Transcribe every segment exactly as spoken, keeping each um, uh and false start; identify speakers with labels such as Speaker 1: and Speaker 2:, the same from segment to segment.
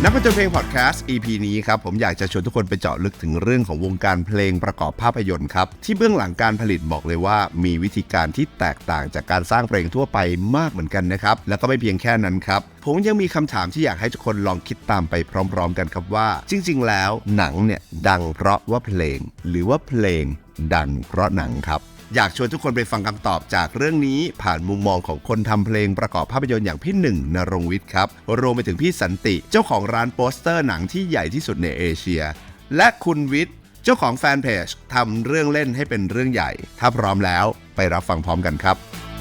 Speaker 1: นักผจญเพลงพอดแคสต์ อี พี นี้ครับผมอยากจะชวนทุกคนไปเจาะลึกถึงเรื่องของวงการเพลงประกอบภาพยนตร์ครับที่เบื้องหลังการผลิตบอกเลยว่ามีวิธีการที่แตกต่างจากการสร้างเพลงทั่วไปมากเหมือนกันนะครับแล้วก็ไม่เพียงแค่นั้นครับผมยังมีคำถามที่อยากให้ทุกคนลองคิดตามไปพร้อมๆกันครับว่าจริงๆแล้วหนังเนี่ยดังเพราะว่าเพลงหรือว่าเพลงดังเพราะหนังครับอยากชวนทุกคนไปฟังคำตอบจากเรื่องนี้ผ่านมุมมองของคนทำเพลงประกอบภาพยนตร์อย่างพี่หนึ่งณรงค์วิทย์ครับรวมไปถึงพี่สันติเจ้าของร้านโปสเตอร์หนังที่ใหญ่ที่สุดในเอเชียและคุณวิทย์เจ้าของแฟนเพจทำเรื่องเล่นให้เป็นเรื่องใหญ่ถ้าพร้อมแล้วไปรับฟังพร้อมกันครับ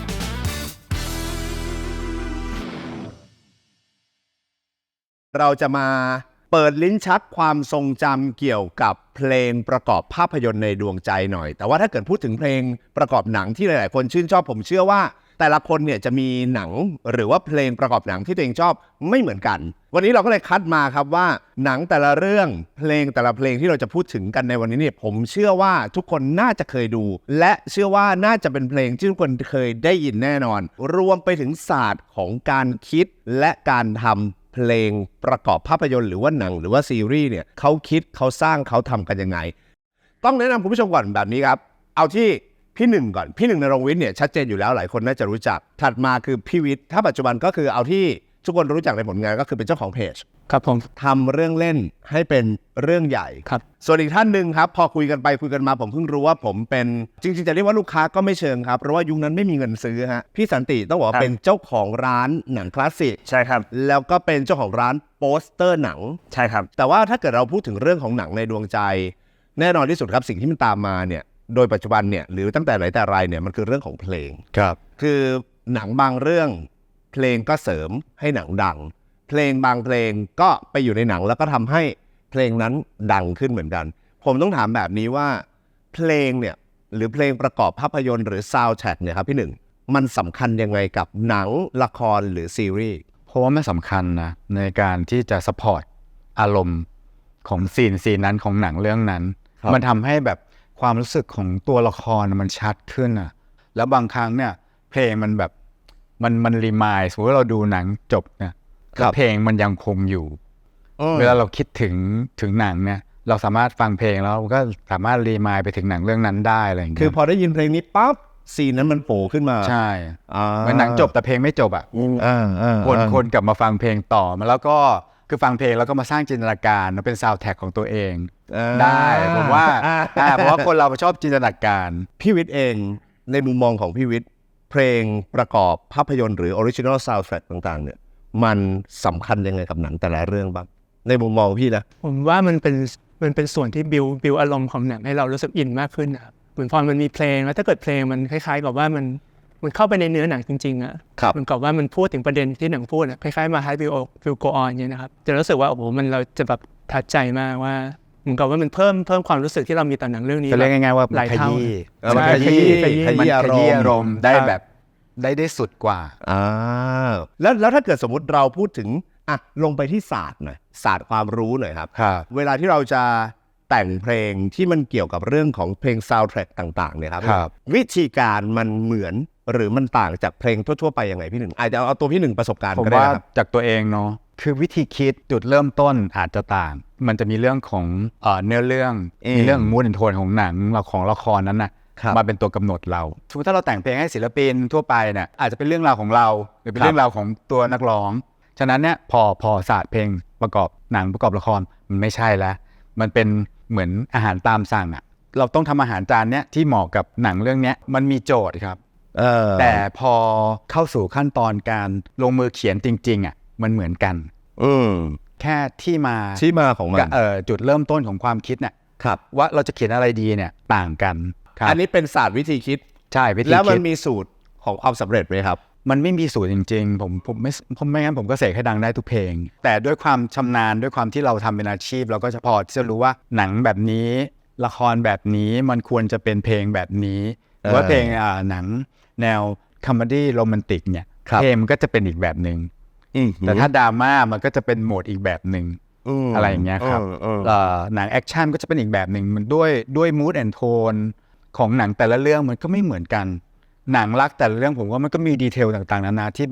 Speaker 1: เราจะมาเปิดลิ้นชักความทรงจำเกี่ยวกับเพลงประกอบภาพยนตร์ในดวงใจหน่อยแต่ว่าถ้าเกิดพูดถึงเพลงประกอบหนังที่หลายๆคนชื่นชอบผมเชื่อว่าแต่ละคนเนี่ยจะมีหนังหรือว่าเพลงประกอบหนังที่ตัวเองชอบไม่เหมือนกันวันนี้เราก็เลยคัดมาครับว่าหนังแต่ละเรื่องเพลงแต่ละเพลงที่เราจะพูดถึงกันในวันนี้เนี่ยผมเชื่อว่าทุกคนน่าจะเคยดูและเชื่อว่าน่าจะเป็นเพลงที่ทุกคนเคยได้ยินแน่นอนรวมไปถึงศาสตร์ของการคิดและการทำเพลงประกอบภาพยนตร์หรือว่าหนังหรือว่าซีรีส์เนี่ยเขาคิดเขาสร้างเขาทำกันยังไงต้องแนะนำคุณผู้ชมก่อนแบบนี้ครับเอาที่พี่หนึ่งก่อนพี่หนึ่งณรงค์วิทย์เนี่ยชัดเจนอยู่แล้วหลายคนน่าจะรู้จักถัดมาคือพี่วิทย์ถ้าปัจจุบันก็คือเอาที่ทุกคนรู้จักในผลงานก็คือเป็นเจ้าของเพจ
Speaker 2: ครับผม
Speaker 1: ทำเรื่องเล่นให้เป็นเรื่องใหญ่
Speaker 2: ครับ
Speaker 1: ส่วนอีกท่านหนึ่งครับพอคุยกันไปคุยกันมาผมเพิ่งรู้ว่าผมเป็นจริงๆจะเรียกว่าลูกค้าก็ไม่เชิงครับเพราะว่ายุคนั้นไม่มีเงินซื้อฮะพี่สันติต้องบอกว่าเป็นเจ้าของร้านหนังคลาสสิก
Speaker 2: ใช่ครับ
Speaker 1: แล้วก็เป็นเจ้าของร้านโปสเตอร์หนัง
Speaker 2: ใช่ครับ
Speaker 1: แต่ว่าถ้าเกิดเราพูดถึงเรื่องของหนังในดวงใจแน่นอนที่สุดครับสิ่งที่มันตามมาเนี่ยโดยปัจจุบันเนี่ยหรือตั้งแต่ไหนแต่ไรเนี่ยมันคือเรื่องของเพลง
Speaker 2: ครับ
Speaker 1: คือหนังบางเรื่องเพลงก็เสริมให้หนังดังเพลงบางเพลงก็ไปอยู่ในหนังแล้วก็ทำให้เพลงนั้นดังขึ้นเหมือนกันผมต้องถามแบบนี้ว่าเพลงเนี่ยหรือเพลงประกอบภาพยนตร์หรือซาวด์แทร็กเนี่ยครับพี่หนึ่งมันสำคัญยังไงกับหนังละครหรือซีรีส์
Speaker 3: เพราะว่ามันสำคัญนะในการที่จะซัพพอร์ตอารมณ์ของซีนซีนนั้นของหนังเรื่องนั้นมันทำให้แบบความรู้สึกของตัวละครมันชัดขึ้นอ่ะแล้วบางครั้งเนี่ยเพลงมันแบบมันมันรีมายด์สมมติว่าเราดูหนังจบเนี่ยเพลงมันยังคงอยู่เวลาเราคิดถึงถึงหนังเนี่ยเราสามารถฟังเพลงแล้วก็สามารถรีมายด์ไปถึงหนังเรื่องนั้นได้อะไรอย่างเงี้ย
Speaker 1: คือพอได้ยินเพลงนี้ปั๊บซีนนั้นมันโผล่ขึ้นมา
Speaker 3: ใช่เหมือนหนังจบแต่เพลงไม่จบอ่ะคนคนกลับมาฟังเพลงต่อมาแล้วก็คือฟังเพลงแล้วก็มาสร้างจินตนาการมาเป็นซาวด์แทร็กของตัวเองได้ผมว่าเพราะว่าคนเราชอบจินตนาการ
Speaker 1: พี่วิทย์เองในมุมมองของพี่วิทย์เพลงประกอบภาพยนตร์หรือออริจินอลซาวด์แทร็กต่างๆเนี่ยมันสำคัญยังไงกับหนังแต่ละเรื่องบ้างในมุมมองพี่นะ
Speaker 2: ผมว่ามันเป็นมันเป็นส่วนที่บิวบิวอารมณ์ของหนังให้เรารู้สึกอินมากขึ้นนะครับเหมือนพอมันมีเพลงแล้วถ้าเกิดเพลงมันคล้ายๆกับว่ามันมันเข้าไปในเนื้อหนังจริงๆอ่ะมันกับว่ามันพูดถึงประเด็นที่หนังพูดอ่ะคล้ายๆมา High View View Go On เนี่ยนะครับจะรู้สึกว่าโอ้โหมันเราจะแบบทัดใจมากว่าเหมือนกับว่ามันเพิ่มเพิ่มความรู้สึกที่เรามีต่อหนังเรื่องนี้
Speaker 3: จะเรียกง่ายๆว่า
Speaker 2: หลายเท่า
Speaker 3: มันขยี้ขยี้มันขยี้อารมณ์ได้แบบได้ได้สุดกว่า
Speaker 1: อ่าแล้วแล้วถ้าเกิดสมมุติเราพูดถึงอ่ะลงไปที่ศาสตร์หน่อยศาสตร์ความรู้หน่อยครับเวลาที่เราจะแต่งเพลงที่มันเกี่ยวกับเรื่องของเพลงซาวด์แทร็กต่างๆเนี่ยครับวิธีการมันเหมือนหรือมันต่างจากเพลงทั่วๆไปยังไงพี่หนึ่งอาจจะเอาตัวพี่หนึ่งประสบการณ์ก็ได้ครับ
Speaker 3: จากตัวเองเนาะคือวิธีคิดจุดเริ่มต้นอาจจะต่างมันจะมีเรื่องของเอ่อเนื้อเรื่องมีเรื่องมูดแอนด์โทนของหนังเราของละครนั้นนะมาเป็นตัวกำหนดเราสมมติถ้าเราแต่งเพลงให้ศิลปินทั่วไปเนี่ยอาจจะเป็นเรื่องราวของเราหรือเป็นเรื่องราวของตัวนักร้องฉะนั้นเนี่ยพอพอศาสตร์เพลงประกอบหนังประกอบละครมันไม่ใช่แล้วมันเป็นเหมือนอาหารตามสั่งอ่ะเราต้องทำอาหารจานเนี้ยที่เหมาะกับหนังเรื่องนี้มันมีโจทย์ครับแต่พอเข้าสู่ขั้นตอนการลงมือเขียนจริงๆอ่ะมันเหมือนกันแค่ที่มา
Speaker 1: ที่มาของมัน
Speaker 3: เอ่อจุดเริ่มต้นของความคิดเนี่ยว่าเราจะเขียนอะไรดีเนี่ยต่างกัน
Speaker 1: อันนี้เป็นศาสตร์วิธีคิด
Speaker 3: ใช่วิธีคิด
Speaker 1: แล้วมันมีสูตรของความสำเร็จไหมครับ
Speaker 3: มันไม่มีสูตรจริงๆผมผมไม่ผมไม่งั้นผมก็เสกให้ดังได้ทุกเพลงแต่ด้วยความชำนาญด้วยความที่เราทำเป็นอาชีพเราก็จะพอที่จะรู้ว่าหนังแบบนี้ละครแบบนี้มันควรจะเป็นเพลงแบบนี้หรือว่าเพลงอ่าหนังแนวคอมเมดี้โรแมนติกเนี่ยเพลงมันก็จะเป็นอีกแบบนึงแต่ถ้าดราม่ามันก็จะเป็นโหมดอีกแบบนึงอะไรอย่างเงี้ยครับหนังแอคชั่นก็จะเป็นอีกแบบนึงมันด้วยด้วยมูดแอนด์โทนของหนังแต่ละเรื่องมันก็ไม่เหมือนกันหนังรักแต่ละเรื่องผมว่ามันก็มีดีเทลต่างๆนานาที่แบบ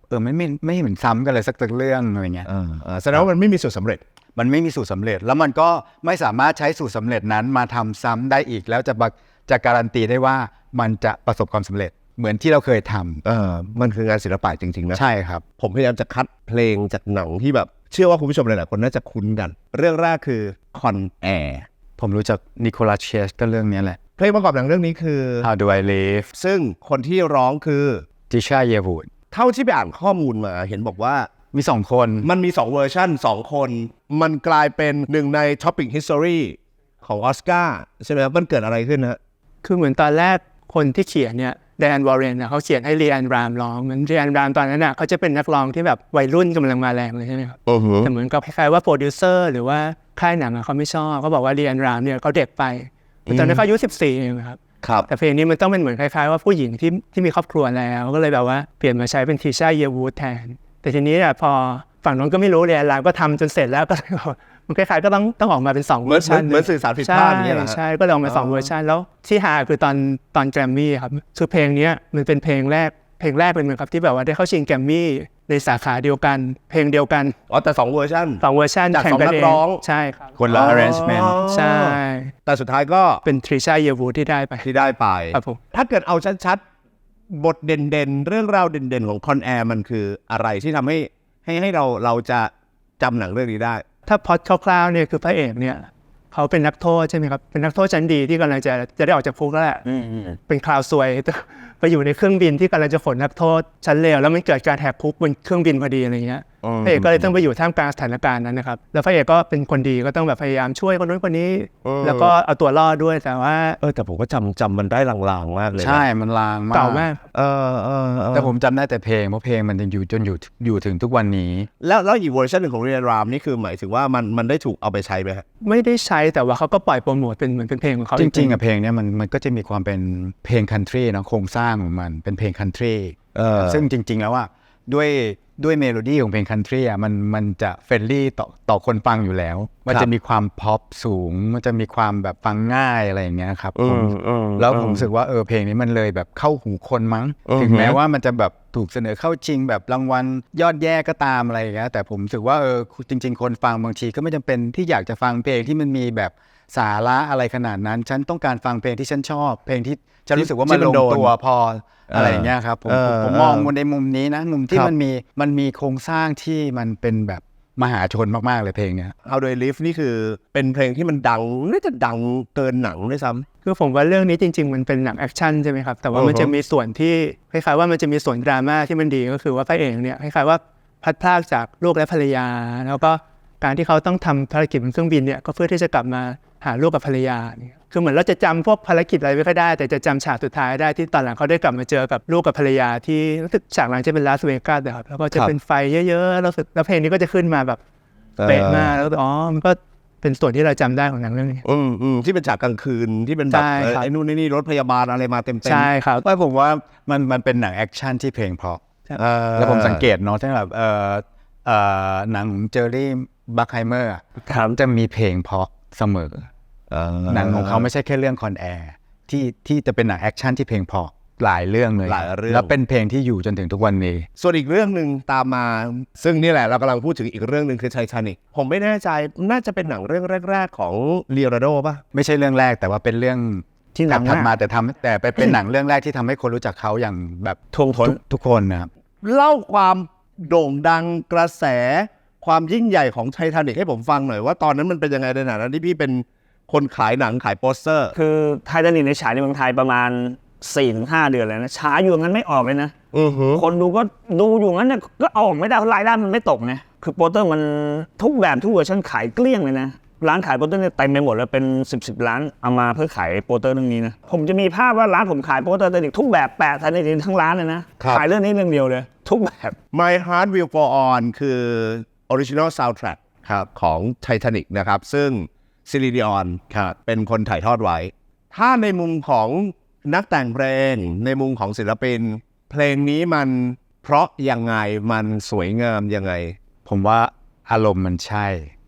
Speaker 3: เออไม่ไม่ไม่เหมือนซ้ำกันเลยสักเรื่องอะไรเงี้ย
Speaker 1: เออเออแสดงว่ามันไม่มีสูตรสำเร็จ
Speaker 3: มันไม่มีสูตรสำเร็จแล้วมันก็ไม่สามารถใช้สูตรสำเร็จนั้นมาทำซ้ำได้อีกแล้วจะจะการันตีได้ว่ามันจะประสบความสำเร็จเหมือนที่เราเคยทำ
Speaker 1: เออมันคืองานศิลปะจริงๆนะ
Speaker 3: ใช่ครับ
Speaker 1: ผมพยายามจะคัดเพลงจากหนังที่แบบเชื่อว่าคุณผู้ชมหลายๆคนน่าจะคุ้นกันเรื่องแรกคือ Con Air
Speaker 3: ผมรู้จักนิโคลัส เคจก็เรื่องนี้แหละ
Speaker 1: เพลงประกอบหนังเรื่องนี้คือ
Speaker 3: How Do I Live
Speaker 1: ซึ่งคนที่ร้องคือ
Speaker 3: ติชา เยวูด
Speaker 1: เท่าที่ไปอ่านข้อมูลมาเห็นบอกว่า
Speaker 3: มีสองคน
Speaker 1: มันมีสองเวอร์ชันสองคนมันกลายเป็นหนึ่งใน Topic History ของออสการ์ใช่ไหมครับมันเกิดอะไรขึ้นฮะ
Speaker 2: คือเหมือนตอนแรกคนที่เขียนเนี่ยแดนวอร์เรนเขาเขียนให้เรียนรามร้องเหมือนเรียนรามตอนนั้นน่ะเขาจะเป็นนักร้องที่แบบวัยรุ่นกำลังมาแรงเลยใช่ไหมครับแต่เหมือนกับคล้ายๆว่าโปรดิวเซอร์หรือว่าค่ายหนังเขาไม่ชอบเขาบอกว่าเรียนรามเนี่ยเขาเด็กไปตอนนั้นเขาอายุสิบสี่เองครับแต่เพลงนี้มันต้องเป็นเหมือนคล้ายๆว่าผู้หญิงที่ที่มีครอบครัวแล้วก็เลยแบบว่าเปลี่ยนมาใช้เป็นทีชา เยวูดแทนแต่ทีนี้อ่ะพอฝั่งนั้นก็ไม่รู้เรียนรามก็ทำจนเสร็จแล้วก็มันคล้ายๆก็ต้องต้องออกมาเป็นสองเวอร์ชัน
Speaker 1: เหมือนสื่อสารผิดพลาดอย่างเงี้ยเหรอ
Speaker 2: ใช่ก็เลยออกมาสองเวอร์ชันแล้วที่หาคือตอนตอนแกรมมี่ครับคือเพลงนี้มันเป็นเพลงแรกเพลงแรกเป็นเหมือนครับที่แบบว่าได้เข้าชิงแกรมมี่ในสาขาเดียวกันเพลงเดียวกัน
Speaker 1: อ๋อแต่สองเวอร์ชัน
Speaker 2: สองเวอร์ชัน
Speaker 1: จากสองนักร้อง
Speaker 2: ใช่ครับ
Speaker 3: คนละ arrangement
Speaker 2: ใช่
Speaker 1: แต่สุดท้ายก็
Speaker 2: เป็นทริชา เยวูดที่ได้ไป
Speaker 1: ที่ได้ไป
Speaker 2: ครับผม
Speaker 1: ถ้าเกิดเอาชัดๆบทเด่นๆเรื่องราวเด่นๆของคอนแอร์มันคืออะไรที่ทำให้ให้ให้เราเราจะจำหนังเรื่องนี้ได้
Speaker 2: ถ้าพล็อตคร่าวๆเนี่ยคือพระเอกเนี่ยเขาเป็นนักโทษใช่ไหมครับเป็นนักโทษชั้นดีที่กำลังจะจะได้ออกจากคุกแล้วแหละเป็นคราวซวยไปอยู่ในเครื่องบินที่กำลังจะขนนักโทษชั้นเลวแล้วมันเกิดการแหกคุกบนเครื่องบินพอดีอะไรเงี้ยพระเอกก็เลยต้องไปอยู่ท่ามกลางสถานการณ์นั้นนะครับแล้วพระเอกก็เป็นคนดีก็ต้องแบบพยายามช่วยคนนู้นคนนี้แล้วก็เอาตัวรอดด้วยแต่ว่า
Speaker 1: เออแต่ผมก็จำจำมันได้ลางๆมากเลย
Speaker 3: ใช่มันลางมาก
Speaker 2: เก่ามาก
Speaker 1: เออเออ
Speaker 3: แต่ผมจำได้แต่เพลงเพราะเพลงมันยังอยู่จนอยู่อยู่ถึงทุกวันนี้
Speaker 1: แล้วแล้วอีกเวอร์ชันหนึ่งของเรียนรามนี่คือหมายถึงว่ามันมันได้ถูกเอาไปใช้ไหมครับ
Speaker 2: ไม่ได้ใช้แต่ว่าเขาก็ปล่อยโปรโมทเป็นเหมือนเป็นเพลงของเขา
Speaker 3: จริงๆอะเพลงนี้มันมันก็จะมีความเป็นเพลงคันทรีนะโครงสร้างของมันเป็นเพลงคันทรีซึ่งจริงๆแล้วว่าด้วยด้วยเมโลดี้ของเพลงคันทรีอ่ะมันมันจะเฟรนลี่ต่อต่อคนฟังอยู่แล้วมันจะมีความพ็อปสูงมันจะมีความแบบฟังง่ายอะไรอย่างเงี้ยครับผมแล้วผมรู้สึกว่าเออเพลงนี้มันเลยแบบเข้าหูคนมั้งถึงแม้ว่ามันจะแบบถูกเสนอเข้าชิงแบบรางวัลยอดแย่ก็ตามอะไรอย่างเงี้ยแต่ผมรู้สึกว่าเออจริงๆคนฟังบางทีก็ไม่จำเป็นที่อยากจะฟังเพลงที่มันมีแบบสาระอะไรขนาดนั้นฉันต้องการฟังเพลงที่ฉันชอบเพลงที่ฉันรู้สึกว่ามันลงตัวพออะไรอย่างเงี้ยครับผมผมมองในมุมนี้นะมุมที่มันมีมันมีโครงสร้างที่มันเป็นแบบมหาชนมากๆเลยเพลงเนี้ย
Speaker 1: How Do I Live นี่คือเป็นเพลงที่มันดังน่าจะดังเกินหนังด้วยซ้
Speaker 2: ำคือผมว่าเรื่องนี้จริงๆมันเป็นหนังแอคชั่นใช่ไหมครับแต่ว่ามันจะมีส่วนที่คล้ายๆว่ามันจะมีส่วนดราม่าที่มันดีก็คือว่าพระเอกเนี่ยคล้ายๆว่าพัดพรากจากลูกและภรรยาแล้วก็การที่เขาต้องทำภารกิจบนเครื่องบินเนี่ยก็เพื่อที่จะกลับมาหาลูกกับภรรยาเนี่ยคือเหมือนเราจะจำพวกภารกิจอะไรไม่ค่อยได้แต่จะจำฉากสุดท้ายได้ที่ตอนหลังเขาได้กลับมาเจอกับลูกกับภรรยาที่รู้สึกฉากหลังจะเป็นลาสเวกัสนะครับแล้วก็จะเป็นไฟเยอะๆแล้วแล้วเพลงนี้ก็จะขึ้นมาแบบเป๊ะมากแล้วอ๋อมันก็เป็นส่วนที่เราจำได้ของหนังเรื่องนี้
Speaker 1: อืมอืมที่เป็นฉากกลางคืนที่เป็นแบบไอ้นู่นไอ้นี่รถพยาบาลอะไรมาเต็มๆ
Speaker 2: ใช่ครับ
Speaker 3: ว่าผมว่ามันมันเป็นหนังแอคชั่นที่เพลงเพราะแล้วผมสังเกตเนาะที่แบบเออเอ่อหนังของเจอร์รี่บัคไฮเมอร์จะมีเพลงเพราะเสมอหนังของเขาไม่ใช่แค่เรื่องคอนแอร์ที่ที่จะเป็นหนังแอคชั่นที่เพลงเพราะหลายเรื่องเลยแล้วเป็นเพลงที่อยู่จนถึงทุกวันนี้
Speaker 1: ส่วนอีกเรื่องนึงตามมาซึ่งนี่แหละเรากำลังพูดถึงอีกเรื่องนึงคือไททานิคผมไม่แน่ใจน่าจะเป็นหนังเรื่องแรกๆของลีโอนาร์โดป่ะ
Speaker 3: ไม่ใช่เรื่องแรกแต่ว่าเป็นเรื่องที่หนังถัดมาแต่ทำแต่เป็นหนังเรื่องแรกที่ทำให้คนรู้จักเขาอย่างแบบ
Speaker 1: ท่วมท้น
Speaker 3: ทุกคนนะครับ
Speaker 1: เล่าความโด่งดังกระแสความยิ่งใหญ่ของไททานิคให้ผมฟังหน่อยว่าตอนนั้นมันเป็นยังไงในฐานะที่พี่เป็นคนขายหนังขายโปสเตอร์
Speaker 4: คือไททานิคในฉายในเมืองไทยประมาณ สี่ถึงห้า เดือนแล้วนะช้าอยู่งั้นไม่ออกเลยนะคนดูก็ดูอยู่งั้นเนี่ยก็ออกไม่ได้รายได้มันไม่ตกนะคือโปสเตอร์มันทุกแบบทุกเวอร์ชันขายเกลี้ยงเลยนะร้านขายโปสเตอร์เนี่ยเต็มไปหมดแล้วเป็นสิบ สิบร้านเอามาเพื่อขายโปสเตอร์เรื่องนี้นะผมจะมีภาพว่าร้านผมขายโปสเตอร์ไททานิคทุกแบบแปะไททานิคทั้งร้านเลยนะขายเรื่องนี้เรื่องเดียวเลยทุกแบบ
Speaker 1: My Heart Will Go On คือ Original Soundtrack ครับของ Titanic นะครับซึ่งซิลิดิออนเป็นคนถ่ายทอดไว้ถ้าในมุมของนักแต่งเพลงในมุมของศิลปินเพลงนี้มันเพราะยังไงมันสวยงามยังไง
Speaker 3: ผมว่าอารมณ์มันใช่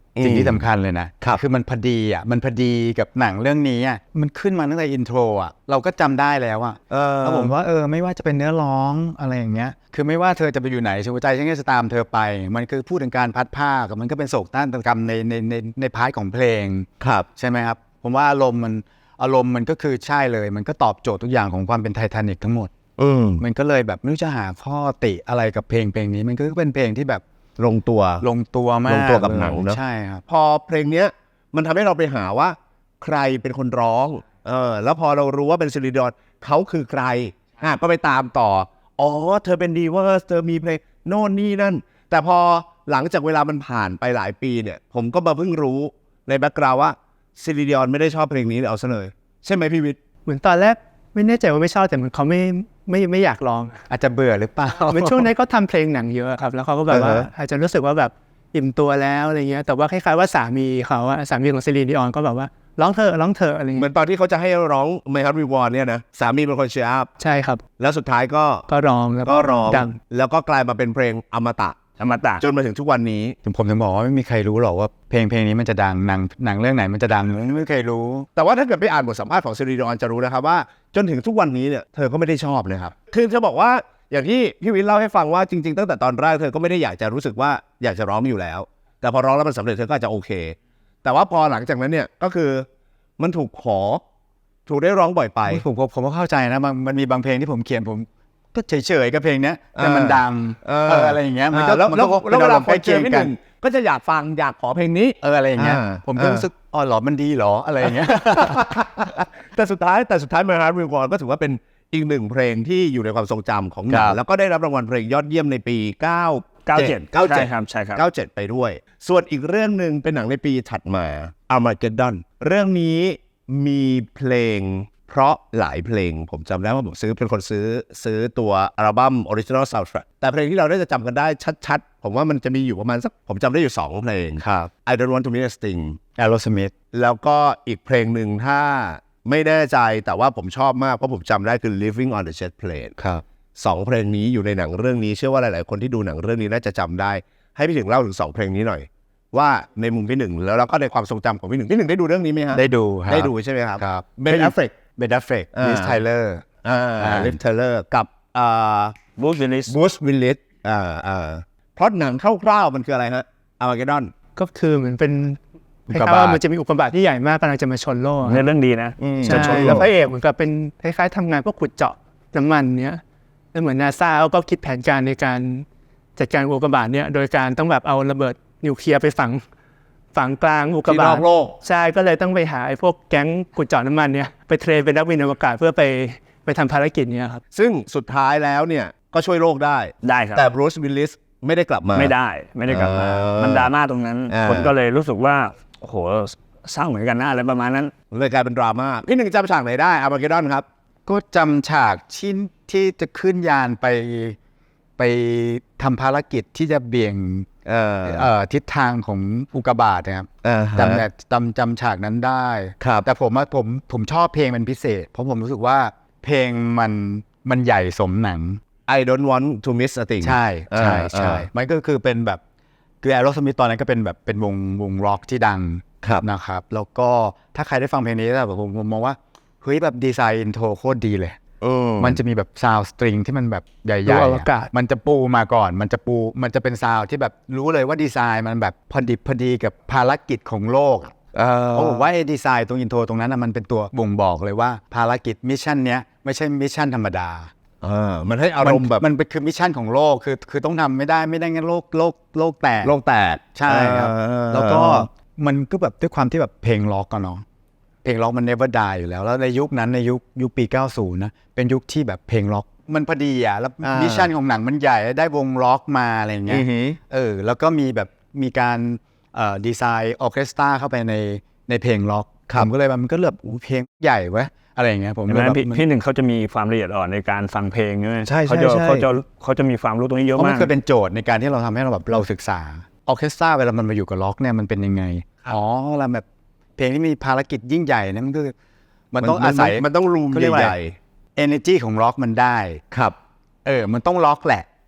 Speaker 3: สิ่งที่สำคัญเลยนะครับ คือมันพอดีอ่ะมันพอดีกับหนังเรื่องนี้อ่ะมันขึ้นมาตั้งแต่อินโทรอ่ะเราก็จำได้แล้วอ่ะ
Speaker 1: เออ
Speaker 3: แล้วผมว่าเออไม่ว่าจะเป็นเนื้อร้องอะไรอย่างเงี้ยคือไม่ว่าเธอจะไปอยู่ไหนหัวใจฉันก็จะตามเธอไปมันคือพูดถึงการพัดผ้ากับมันก็เป็นโศกนาฏกรรมในในในในพาร์ทของเพลง
Speaker 1: ครับ
Speaker 3: ใช่ไหมครับผมว่าอารมณ์มันอารมณ์มันก็คือใช่เลยมันก็ตอบโจทย์ทุกอย่างของความเป็นไททานิคทั้งหมด
Speaker 1: อืม
Speaker 3: มันก็เลยแบบไม่รู้จะหาข้อติอะไรกับเพลงเพลงนี้มันก็เป็นเพลงที่แบบ
Speaker 1: ลงตัว
Speaker 3: ลงตัวมาก
Speaker 1: ลงตัวกับหนังเนอะ
Speaker 3: ใช่ครับ
Speaker 1: พอเพลงเนี้ยมันทำให้เราไปหาว่าใครเป็นคนร้องเออแล้วพอเรารู้ว่าเป็นซิลิดอนเขาคือใครอ่ะก็ไปตามต่ออ๋อเธอเป็นดีเวอร์สเธอมีเพลงโน่นนี่นั่น แต่พอหลังจากเวลามันผ่านไปหลายปีเนี่ยผมก็มาเพิ่งรู้ในแบ็กกราวด์ว่าซิลิดอนไม่ได้ชอบเพลงนี้เอาซะเลยใช่ไหมพี่วิทย์
Speaker 2: เหมือนตอนแรกไม่แน่ใจว่าไม่ชอบแต่เหมือนเขาไม่ไม่ไม่อยากลอง
Speaker 3: อาจจะเบื่อหรือเปล่า
Speaker 2: เหมือนช่วงนั้นเขาทำเพลงหนังเยอะครับแล้วเขาก็แบบว่า
Speaker 1: อ่าฮะ
Speaker 2: อาจจะรู้สึกว่าแบบอิ่มตัวแล้วอะไรเงี้ยแต่ว่าคล้ายๆว่าสามีเขาอะสามีของซิลีนดิออนก็แบบว่าร้องเธอะร้องเธอะอะไร
Speaker 1: เหมื
Speaker 2: เงี้
Speaker 1: อย นตอนที่เขาจะให้ร้อง My Heart Will Go On เนี่ยนะสามีเป็นคนเชียร์อัพ
Speaker 2: ใช่ครับ
Speaker 1: แล้วสุดท้ายก็
Speaker 2: ก็ร้องแล้ว
Speaker 1: ก็ร้อง
Speaker 2: ดัง
Speaker 1: แล้วก็กลายมาเป็นเพลงอมตะ
Speaker 4: ธรรมตะ
Speaker 1: จนมาถึงทุกวันนี้
Speaker 3: ผมผมถึงบอกว่าไม่มีใครรู้หรอกว่าเพลงเพลงนี้มันจะดังหนังหนังเรื่องไหนมันจะดังไม่มีใครรู้
Speaker 1: แต่ว่าถ้าเกิดไปอ่านบทสัมภาษณ์ของซิริดอนจะรู้นะครับว่าจนถึงทุกวันนี้เนี่ยเธอก็ไม่ได้ชอบนะครับคือจะบอกว่าอย่างที่พี่วินเล่าให้ฟังว่าจริงๆตั้งแต่ตอนแรกเธอก็ไม่ได้อยากจะรู้สึกว่าอยากจะร้องอยู่แล้ว แต่พอร้องแล้วมันสำเร็จเธอก็อาจจะโอเค แต่ว่าพอหลังจากนั้นเนี่ยก็คือมันถูกขอถูกได้ร้องบ่อยไป
Speaker 3: ผมผมผมก็เข้าใจนะบางมันมีบางเพลงที่ผมเขียนผมก็เฉยๆกับเพลงเนี้ยแต่มันดัง
Speaker 1: เออ
Speaker 3: เอออะไรอย่างเงี้ยมันก็
Speaker 1: แล้ว
Speaker 3: มัน
Speaker 1: แล้ว
Speaker 3: ก็
Speaker 1: แล้วเวลา
Speaker 3: ป็
Speaker 1: คนเจอ
Speaker 3: รมณ์
Speaker 1: พี่
Speaker 3: ใก
Speaker 1: ห
Speaker 3: ล้
Speaker 1: นึ่ง
Speaker 3: เคียง
Speaker 1: ก็จะอยากฟังอยากขอเพลงนี้
Speaker 3: เอออะไรอย่างเงี้ย
Speaker 1: อ่า
Speaker 3: ผมก็รู้สึกอ๋อเหรอมันดีเหรออะไรอย่างเงี้ย
Speaker 1: แต่สุดท้ายแต่สุดท้าย My Heart Will Go On ก็ถือว่าเป็นอีกหนึ่งเพลงที่อยู่ในความทรงจำของหนั
Speaker 3: ค
Speaker 1: ง
Speaker 3: รับ
Speaker 1: แล้วก็ได้รับรางวัลเพลงยอดเยี่ยมในปีเก้า
Speaker 4: เก้าเจ็ด
Speaker 1: เก้าเจ็ด
Speaker 4: ใช่ครับใช่ครับ
Speaker 1: เก้าเจ็ดไปด้วย ส่วนอีกเรื่องหนึ่งเป็นหนังในปีถัดมา Armageddon เรื่องนี้มีเพลงเพราะหลายเพลงผมจำได้ว่าผมซื้อเป็นคนซื้อซื้อตัวอัลบั้ม Original Soundtrack แต่เพลงที่เราได้จะจำกันได้ชัดๆ ผมว่ามันจะมีอยู่ประมาณสักผมจำได้อยู่สองเพลง
Speaker 3: ครับ
Speaker 1: I Don't Want to Miss a Thing
Speaker 3: Aerosmith
Speaker 1: แล้วก็อีกเพลงหนึ่งถ้าไม่แน่ใจแต่ว่าผมชอบมากเพราะผมจำได้คือ Living on the Jet Plane
Speaker 3: ครับ
Speaker 1: สองเพลงนี้อยู่ในหนังเรื่องนี้เชื่อว่าหลายๆคนที่ดูหนังเรื่องนี้น่าจะจำได้ให้พี่หนึ่งเล่าถึงสองเพลงนี้หน่อย ว่าในมุมพี่หนึ่งแล้วเราก็ในความทรงจำของพี่หนึ่งพี่หนึ่งได้ดูเรื่องนี้ไหมฮะ
Speaker 3: ได้ดูครับ
Speaker 1: ได้ดูใช่ไหมครับ
Speaker 3: ครับ
Speaker 1: เบนแอฟเฟก
Speaker 3: เบนดัฟเฟก
Speaker 1: อ่า
Speaker 3: ลิสไทเลอร์
Speaker 1: อ่า
Speaker 3: อ่า
Speaker 1: ลิฟเทเลอร์กับอ่า
Speaker 4: บูสวิลลิส
Speaker 1: บูสวิลลิสอ่าอ่าเพราะหนังคร่าวๆมันคืออะไรฮะอาร์มาเกดดอน
Speaker 2: ก็คือเหมือนเป็น
Speaker 3: อุ
Speaker 2: ค
Speaker 3: กกา
Speaker 2: ล้ายๆ
Speaker 3: บา
Speaker 2: ว่า
Speaker 3: ต
Speaker 2: มันจะมีอุกกาบาตที่ใหญ่มากกำลังจะมาชนโลก
Speaker 4: ในเรื่องดีนะ
Speaker 2: ใช่แล้วพระเอกเหมือนกับเป็นคล้ายๆทำงานพวกขุดเจาะน้ำมันเนี้ยแล้วเหมือนนาซาก็คิดแผนการในการจัดการอุกกาบาตเนี้ยโดยการต้องแบบเอาระเบิดนิวเคลียร์ไปฝังฝังกลางอุกกา
Speaker 1: ที่น
Speaker 2: บา
Speaker 1: อ
Speaker 2: ต
Speaker 1: กโลก
Speaker 2: ใช่ก็เลยต้องไปหาไอ้พวกแก๊งขุดเจาะน้ำมันเนี้ยไปเทรนเป็นนักบินอวกาศเพื่อไปไปทำภารกิจเนี้ยครับ
Speaker 1: ซึ่งสุดท้ายแล้วเนี่ยก็ช่วยโลกได้
Speaker 4: ได้ครับ
Speaker 1: แต่บรูซวิลลิสไม่ได้กลับมา
Speaker 4: ไม่ได้ไม่ได้กลับมา
Speaker 1: เออ
Speaker 4: มันดราม่าตรงนั้น
Speaker 1: อ่า
Speaker 4: คนก็เลยรู้สึกว่าโอ้โหเศร้าเหมือนกันนะอะไรประมาณนั้น
Speaker 1: เลยกลายเป็นดราม่าพี่หนึ่งจำฉากไหนได้อาร์มาเกดดอนครับ
Speaker 3: ก็จำฉากที่ที่จะขึ้นยานไปไปทำภารกิจที่จะเบี่ยง
Speaker 1: เออ
Speaker 3: เอ่อทิศทางของอุกกาบาตนะครับ
Speaker 1: อ่าฮะ
Speaker 3: จำแบบจำจำฉากนั้นได้
Speaker 1: ครับ
Speaker 3: แต่ผมว่าผมผมชอบเพลงเป็นพิเศษ เพราะผมรู้สึกว่าเพลงมันมันใหญ่สมหนัง
Speaker 1: I don't want to miss a thing
Speaker 3: ใช่ใช่
Speaker 1: อ่า
Speaker 3: ใช่
Speaker 1: อ่า
Speaker 3: มันก็คือเป็นแบบคือแอโรสมิธตอนนั้นก็เป็นแบบเป็นวงวงร็อกที่ดัง
Speaker 1: ครับ
Speaker 3: นะครับแล้วก็ถ้าใครได้ฟังเพลงนี้แบบผมผมมองว่าเฮ้ยแบบดีไซน์อินโทรโคตรดีเลย
Speaker 1: เออ
Speaker 3: มันจะมีแบบซาวด์สตริงที่มันแบบใหญ่
Speaker 2: ดู
Speaker 3: ๆ
Speaker 2: อว
Speaker 3: อะ
Speaker 2: กาศ
Speaker 3: มันจะปูมาก่อน มันจะปูมันจะเป็นซาวด์ที่แบบรู้เลยว่าดีไซน์มันแบบพอดิบพอดีกับภารกิจของโลกอะ
Speaker 1: เออ
Speaker 3: เพราะผมว่าไอ้ดีไซน์ตรงอินโทรตรงนั้นนะมันเป็นตัวบ่งบอกเลยว่าภารกิจมิชชั่นเนี้ยไม่ใช่มิชชั่นธรรมดา
Speaker 1: เออมันให้อารมณ์แบบ
Speaker 3: มันเป็นคือมิชชั่นของโลกคือคือต้องทำไม่ได้ไม่ได้งั้นโลกโลกโลกแตก
Speaker 1: โลกแตก
Speaker 3: ใช่ครับ
Speaker 1: เออ
Speaker 3: แล้วก็มันก็แบบด้วยความที่แบบเพลงล็อกกันเนาะเพลงล็อกมัน never die อยู่แล้วแล้วในยุคนั้นในยุคยุคปีเก้าสิบนะเป็นยุคที่แบบเพลงล็อกมันพอดีอ่ะแล้วมิชชั่นของหนังมันใหญ่ได้วงล็อกมาอะไรอย่างเงี้
Speaker 1: อื
Speaker 3: ย
Speaker 1: อหือ
Speaker 3: เออแล้วก็มีแบบมีการเอ่อดีไซน์ออร์เคสตราเข้าไปในในเพลงล็อกผมก็เลยว่ามันก็เลือกเพลงใหญ่เว้ยอะไรอย่างเงี้ยผม
Speaker 4: เห็น
Speaker 3: เล
Speaker 4: ไหม
Speaker 3: ยแบบ
Speaker 4: พี่
Speaker 3: มัน
Speaker 4: พี่หนึ่งเขาจะมีความละเอียดอ่อนในการฟังเพลงใช่ไหม
Speaker 3: ใช่ใช่
Speaker 4: เขาจะ
Speaker 3: ใช่
Speaker 4: เขาจะเขาจะมีความรู้ตรงนี้เยอะ
Speaker 3: เพราะมั
Speaker 4: มาน ก
Speaker 3: เคยเป็นโจทย์ในการที่เราทำให้เราแบบเราศึกษาออร์เคสตราเวลามันมาอยู่กับล็อกเนี่ยมันเป็นยังไงอ๋อเวลาแบบเพลงที่มีภารกิจยิ่งใหญ่เนี่ยมันคือมันต้องอาศัย
Speaker 1: มันต้องรูม
Speaker 3: เขาเรียกว่า
Speaker 1: ใหญ่
Speaker 3: energy ของล็อกมันได้
Speaker 1: ๆครับ
Speaker 3: เออมันต้องล็อกแหละ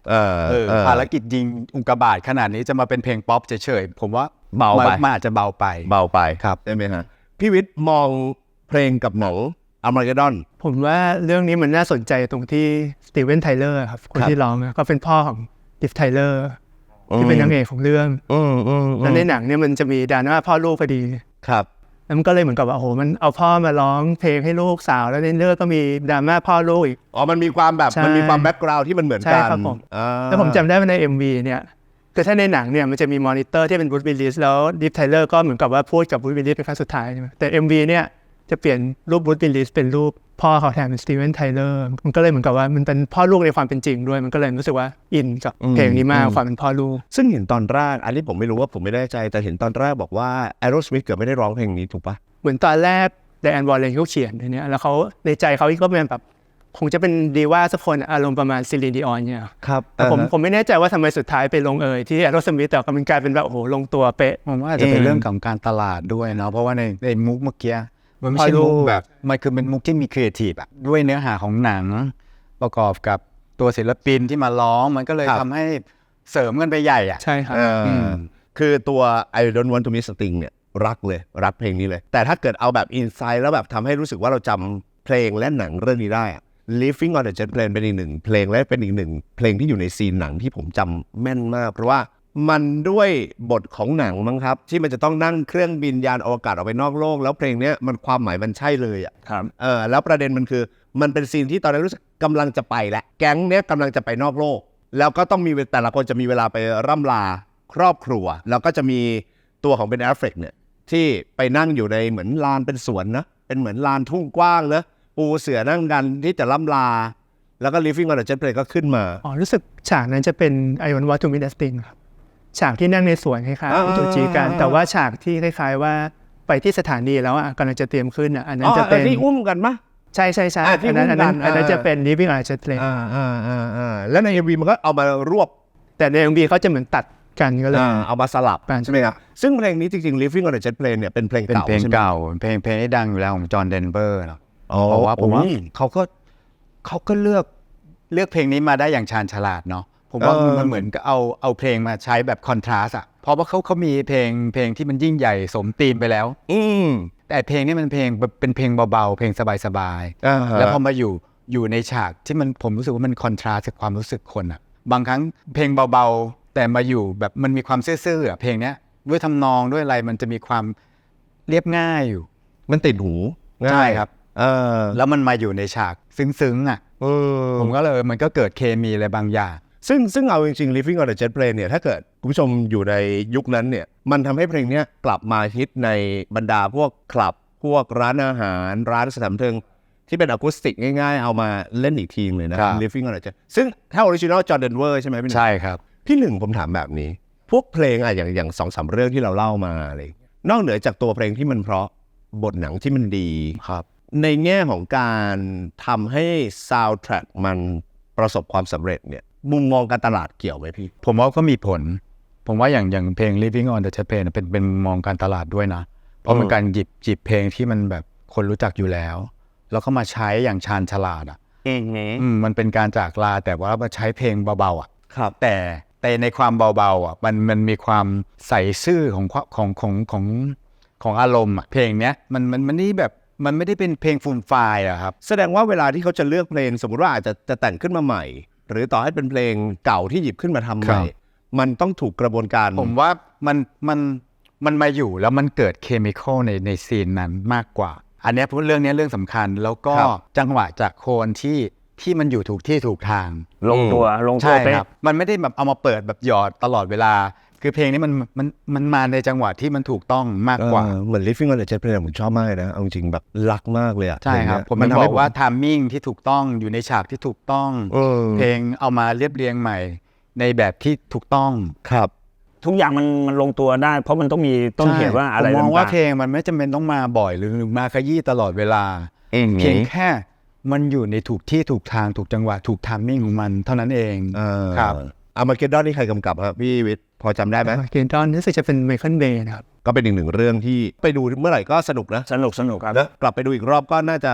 Speaker 1: เออ
Speaker 3: เออ
Speaker 1: เออ
Speaker 3: ภารกิจยิงอุกกาบาตขนาดนี้จะมาเป็นเพลงป๊อปเฉยๆผมว่า
Speaker 1: เบาไป
Speaker 3: มันอาจจะเบาไป
Speaker 1: เบาไป
Speaker 3: ครับ
Speaker 1: ใช่ไหมฮะพี่วิทย์มองเพลงกับหนังอาร์มาเกดดอน
Speaker 2: ผมว่าเรื่องนี้มันน่าสนใจตรงที่สตีเวนไทเลอร์ครับคน
Speaker 1: ครับ
Speaker 2: ที่ร้องอะก็เป็นพ่อของดิฟไทเลอร์ที่เป็นนางเอกของเรื่อง
Speaker 1: อืมอืม
Speaker 2: แล้วในหนังเนี่ยมันจะมีดราม่าพ่อลูกพอดี
Speaker 1: ครับ
Speaker 2: แล้วมันก็เลยเหมือนกับว่าโอ้โหมันเอาพ่อมาร้องเพลงให้ลูกสาวแล้วในเรื่องก็มีดราม่าพ่อลูกอีก
Speaker 1: อ๋อมันมีความแบบ
Speaker 2: ใช่
Speaker 1: มันมีความแบ็กกราวด์ที่มันเหมือน
Speaker 2: ใช่
Speaker 1: กัน
Speaker 2: ครับผม
Speaker 1: อ่า
Speaker 2: แล้วผมจำได้ว่าใน เอ็ม วี เนี่ยคือถ้าในหนังเนี่ยมันจะมีมอนิเตอร์ที่เป็นบูธวิลลิสแล้วดิฟไทเลอร์ก็เหมือนกับว่าพูดกับบูธวิลลิสเป็นครั้งสุดท้ายใช่ไหมแต่ เอ็ม วี เนี่ยจะเปลี่ยนรูปบูธวิลลิสเป็นรูปพ่อเขาแทนเป็นสตีเวนไทเลอร์มันก็เลยเหมือนกับว่ามันเป็นพ่อลูกในความเป็นจริงด้วยมันก็เลยรู้สึกว่าอินกับเพลงนี้มากความเป็นพ่อลูก
Speaker 1: ซึ่งเห็นตอนแรกอันนี้ผมไม่รู้ว่าผมไม่แน่ใจแต่เห็นตอนแรกบอกว่า Aerosmith เกือบไม่ได้ร้องเพลงนี้ถูกปะ
Speaker 2: เหมือนตอนแรกไดแอนวอลเลนเขาเขียนเนี่ยแล้วเขาในใจเขาก็เป็นแบบคงจะเป็นดีว่าสักคนอารมณ์ประมาณซิลินดิออนเนี่ย
Speaker 1: ครับ
Speaker 2: แต่ผมผมไม่แน่ใจว่าทำไมสุดท้ายไปลงเอยที่แอโรสมิธแต่ก็มันกลายเป็นแบบโอ้โหลงตัวเป๊ะ
Speaker 3: ผมว่าอาจจะเป็นเรื่องของการตลาดด้วยเนาะเพราะว่าในในมุกเมื่อกี้มันไม่ใช่
Speaker 2: พอรู้
Speaker 3: มุกแบบมันคือเป็นมุกที่มีครีเอทีฟอะด้วยเนื้อหาของหนัง ประกอบกับตัวศิลปินที่มาร้องมันก็เลย
Speaker 1: ครับ
Speaker 3: ทำให้เสริมกันไปใหญ่อะ
Speaker 2: ใช่ครับ
Speaker 1: เอออ
Speaker 3: ม
Speaker 1: คือตัว I don't want to miss a thing เนี่ยรักเลยรักเพลงนี้เลย แต่ถ้าเกิดเอาแบบอินไซด์แล้วแบบทำให้รู้สึกว่าเราจำเพลงและหนังเรื่องนี้ได้อะ Living on the Jet Plane เป็นอีกหนึ่งเพลงและเป็นอีกหนึ่งเพลงที่อยู่ในซีนหนังที่ผมจำแม่นมาก เพราะว่ามันด้วยบทของหนังมั้งครับ ที่มันจะต้องนั่งเครื่องบินยานอวกาศออกไปนอกโลก แล้วเพลงเนี้ยมันความหมายมันใช่เลยอ่ะ
Speaker 4: ครับ
Speaker 1: เออแล้วประเด็นมันคือมันเป็นซีนที่ตอนนั้นรู้สึกกำลังจะไปแล้วแก๊งเนี้ยกำลังจะไปนอกโลก แล้วก็ต้องมีแต่ละคนจะมีเวลาไปร่ำลาครอบครัว แล้วก็จะมีตัวของเบนแอฟเฟลกเนี่ยที่ไปนั่งอยู่ในเหมือนลานเป็นสวนนะเป็นเหมือนลานทุ่งกว้างนะปูเสื่อนั่งกันที่จะล่ำลา แล้วก็ Living on the Jet Plane ก็ขึ้นมา
Speaker 2: อ๋อรู้สึกฉากนั้นจะเป็น I want what to miss a thing ครับฉากที่นั่งในสวนคล้าย
Speaker 1: อ่า
Speaker 2: ๆจูจีกัน แต่ว่าฉากที่คล้ายๆว่าไปที่สถานีแล้วอ่ะกำลังจะเตรียมขึ้นอ่ะอันนั้น
Speaker 1: อ๋อ
Speaker 2: จะเป็น
Speaker 1: ที่อุ้มกันปะ
Speaker 2: ใช่ใช่ใช่
Speaker 1: อ่าที่
Speaker 2: อันนั้นอันนั้น
Speaker 1: อุ้มกัน
Speaker 2: อันนั้น
Speaker 1: อ่า
Speaker 2: จะเป็น living on a jet plane
Speaker 1: อ่าอ่าอ่าอ่าแล้วใน เอ็ม วี มันก็เอามารวบ
Speaker 2: แต่ใน เอ็ม วี เขาจะเหมือนตัดกันก็เลย
Speaker 1: อ่าเอามาสลับ
Speaker 2: กัน
Speaker 1: ใช่ไหมครับซึ่งเพลงนี้จริงๆ Living on the Jet Plane เนี่ยเป็นเพลง
Speaker 3: เป็น
Speaker 1: เก่า
Speaker 3: เพลง
Speaker 1: ใช่ไหม
Speaker 3: เก่าเพลงเพลงที่ดังอยู่แล้วของจอห์นเดนเวอร์เนาะ
Speaker 1: อ๋อ
Speaker 3: เพราะว่าผมว่า
Speaker 1: โอ้ย
Speaker 3: เขาก็เขาก็เลือกเลือกเพลงนี้มาได้อย่างชาญฉลาดเนาะผมว่า
Speaker 1: เออ
Speaker 3: มันเหมือนกับเอาเอาเพลงมาใช้แบบคอนทราสต์อะเพราะว่าเขาเขามีเพลงเพลงที่มันยิ่งใหญ่สมธีมไปแล้ว
Speaker 1: อืม
Speaker 3: แต่เพลงนี้มันเพลงเป็นเพลงเบาๆเพลงสบาย
Speaker 1: อ่า
Speaker 3: ๆ
Speaker 1: ฮะ
Speaker 3: แล้วพอมาอยู่อยู่ในฉากที่มันผมรู้สึกว่ามันคอนทราสต์กับความรู้สึกคนอะบางครั้งเพลงเบาๆแต่มาอยู่แบบมันมีความซื่อๆอะเพลงเนี้ยด้วยทำนองด้วยอะไรมันจะมีความเรียบง่ายอยู่
Speaker 1: มันติดหูง่าย
Speaker 3: ใช่ครับ
Speaker 1: เออ
Speaker 3: แล้วมันมาอยู่ในฉากซึ้งๆอ่ะ
Speaker 1: เออ
Speaker 3: ผมก็เลยมันก็เกิดเคมีอะไรบางอย่าง
Speaker 1: ซึ่งซึ่งเอาจริงๆ Living on the Jet Plane เนี่ยถ้าเกิดคุณผู้ชมอยู่ในยุคนั้นเนี่ยมันทำให้เพลงเนี้ยกลับมาฮิตในบรรดาพวกคลับ พวกร้านอาหาร ร้านสถานบันเทิงที่เป็นอะคูสติกง่ายๆ เอามาเล่นอีกทีเลยนะ
Speaker 3: ครับ
Speaker 1: Living on the Jet ซึ่งถ้าออริจินอลจอร์แดนเวอร์ใช่ไหมพี่หนึ่ง
Speaker 3: ใช่ครับ
Speaker 1: พี่หนึ่งผมถามแบบนี้ พวกเพลงอะอย่างอย่างสองสามเรื่องที่เราเล่ามาอะไรอย่างเงี้ยนอกเหนือจากตัวเพลงที่มันเพราะบทหนังที่มันดี
Speaker 3: ครับ
Speaker 1: ในแง่ของการทำให้ซาวด์แทร็กมันประสบความสำเร็จเนี่ยมุมมองการตลาดเกี่ยวไหมพี่
Speaker 3: ผมว่าก็มีผล ผมว่าอย่างอย่างเพลง Living on the Jet Plane เป็นเป็นมุมมองการตลาดด้วยนะ เพราะมันการหยิบหยิบเพลงที่มันแบบคนรู้จักอยู่แล้ว แล้วก็มาใช้อย่างชาญฉลาดอ่ะ
Speaker 1: อืม
Speaker 3: อืมมันเป็นการจากลาแต่ว่ามาใช้เพลงเบาๆอ่ะ
Speaker 1: ครับ
Speaker 3: แต่แต่ในความเบาๆอ่ะมันมันมีความใส่ซื่อของความของของของของอารมณ์อ่ะเพลงเนี้ยมันมันมันนี่แบบมันไม่ได้เป็นเพลงฟูมไฟล์อะครับ
Speaker 1: แสดงว่าเวลาที่เขาจะเลือกเพลงสมมุติว่าอาจจะจะแต่งขึ้นมาใหม่ หรือต่อให้เป็นเพลงเก่าที่หยิบขึ้นมาทำให
Speaker 3: ครั
Speaker 1: ม่
Speaker 3: บ
Speaker 1: มันต้องถูกกระบวนการ
Speaker 3: ผมว่ามันมันมันมาอยู่แล้วมันเกิดเคมีคอลในในซีนนั้นมากกว่า อันเนี้ยเรื่องเนี้ยเรื่องสำคัญแล้วก็จังหวะจากโคนที่ที่มันอยู่ถูกที่ถูกทาง
Speaker 4: ลงตัวลงตัว
Speaker 3: ใช่
Speaker 4: เป๊ะ
Speaker 3: ครับมันไม่ได้แบบเอามาเปิดแบบหยอดตลอดเวลา คือเพลงนี้มันมันมันมาในจังหวะที่มันถูกต้องมากกว่า
Speaker 1: เออเหมือน Living on the Jet Plane ผมชอบมากเลยนะเอาจริงแบบรักมากเลยอะ
Speaker 3: ใช่ครับ
Speaker 1: เพ
Speaker 3: ผ
Speaker 1: ล
Speaker 3: ม
Speaker 1: ง
Speaker 3: มัน
Speaker 1: เนี้ย
Speaker 3: บ
Speaker 1: ทำให้
Speaker 3: อกว่าทามมิ่งที่ถูกต้องอยู่ในฉากที่ถูกต้อง
Speaker 1: เออ
Speaker 3: เพลงเอามาเรียบเรียงใหม่ ในแบบที่ถูกต้อง
Speaker 1: ครับ
Speaker 4: ทุกอย่างมันมันลงตัวได้ เพราะมันต้องมีต้นเหตุว่าอะไร
Speaker 3: ผมมอง
Speaker 4: ต่างๆ
Speaker 3: ว่าเพลงมันไม่จำเป็นต้องมาบ่อยหรือมาขยี้ตลอดเวลา
Speaker 1: เอง
Speaker 3: เพียงแค่มันอยู่ในถูกที่ถูกทางถูกจังหวะถูกทามมิ่งของมันเท่านั้นเอง
Speaker 1: เออ
Speaker 3: ครับ
Speaker 1: อามาเกดดอนนี่ใครกำกับครับพี่วิทย์พอจำได้ไหม
Speaker 2: เกนดอนรู้สึกจะเป็นไมเคิลเบย์นะครับ
Speaker 1: ก็เป็นอีกหนึ่งเรื่องที่ไปดูเมื่อไหร่ก็สนุกนะ
Speaker 4: สนุกสนุกครับ
Speaker 1: นะกลับไปดูอีกรอบก็น่าจะ